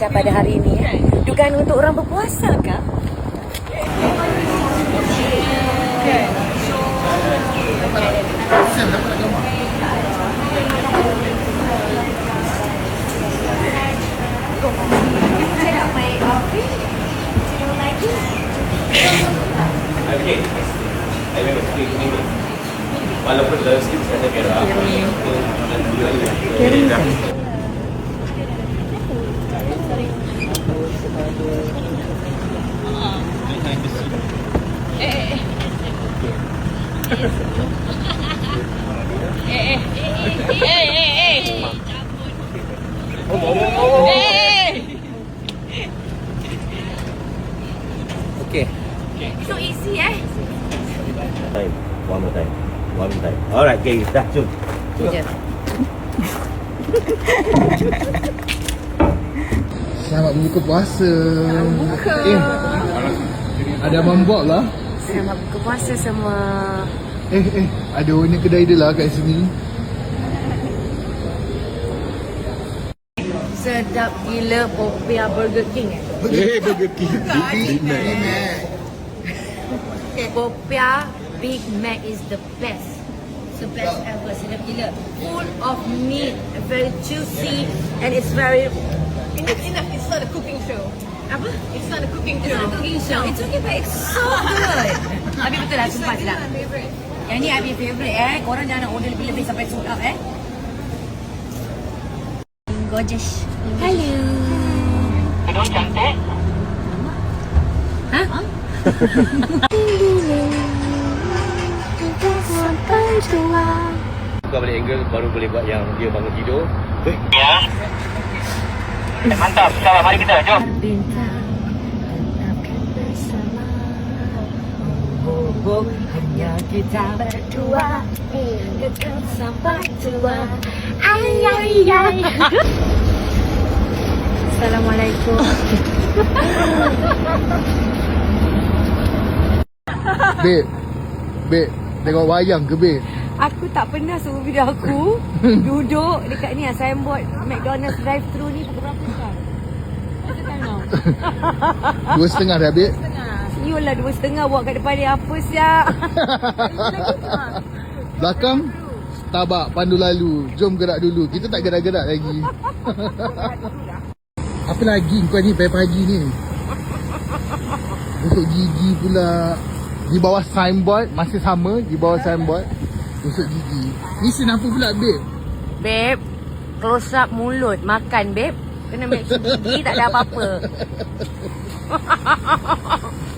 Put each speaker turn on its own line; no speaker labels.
cuaca pada hari ini ya. Dugaan untuk orang berpuasa kah?
Walaupun dalam sikit saya kira Okay.
So easy
Time. One more time. Alright, okay, dah jom.
Selamat berbuka puasa.
Buka.
Ada abang buat lah.
Selamat buka puasa semua.
Ada owner kedai dia lah kat sini.
Sedap gila Popia Burger King
Burger King. Big Mac.
Popia Big Mac is the best. The best ever. Sedap gila. Full of meat, very juicy, and it's very.
Enough. It's not a cooking show.
Apa?
It's not a cooking
It's
show.
not a cooking show. It's okay, but it's so good. Abi betul lah, sumpah sedap. Yang ni Abi favourite Korang jangan nak order lebih-lebih sampai sold out Gorgeous. Hello.
Kedua cantik.
Ha?
Buka balik angle baru boleh buat yang dia bangun tidur.
Ya. Mantap. Salam, mari kita jom.
Bintang tetapkan bersama. Hanya kita berdua dekat sampai tua. Ay. Assalamualaikum.
Babe, tengok wayang ke babe?
Aku tak pernah suruh video aku duduk dekat ni signboard McDonald's drive-thru ni pukul berapa sekarang? Masa time now?
2.30 dah babe.
Yolah 2.30 buat kat depan ni apa siap?
Belakang Starbucks pandu lalu. Jom gerak dulu. Kita tak gerak-gerak lagi. Apa lagi kau ni pagi-pagi ni? Untuk gigi pula. Di bawah signboard masih sama di bawah signboard. Usut gigi. Ni sin apa pula babe?
Babe, close up mulut makan babe. Kena make sure gigi tak ada apa-apa.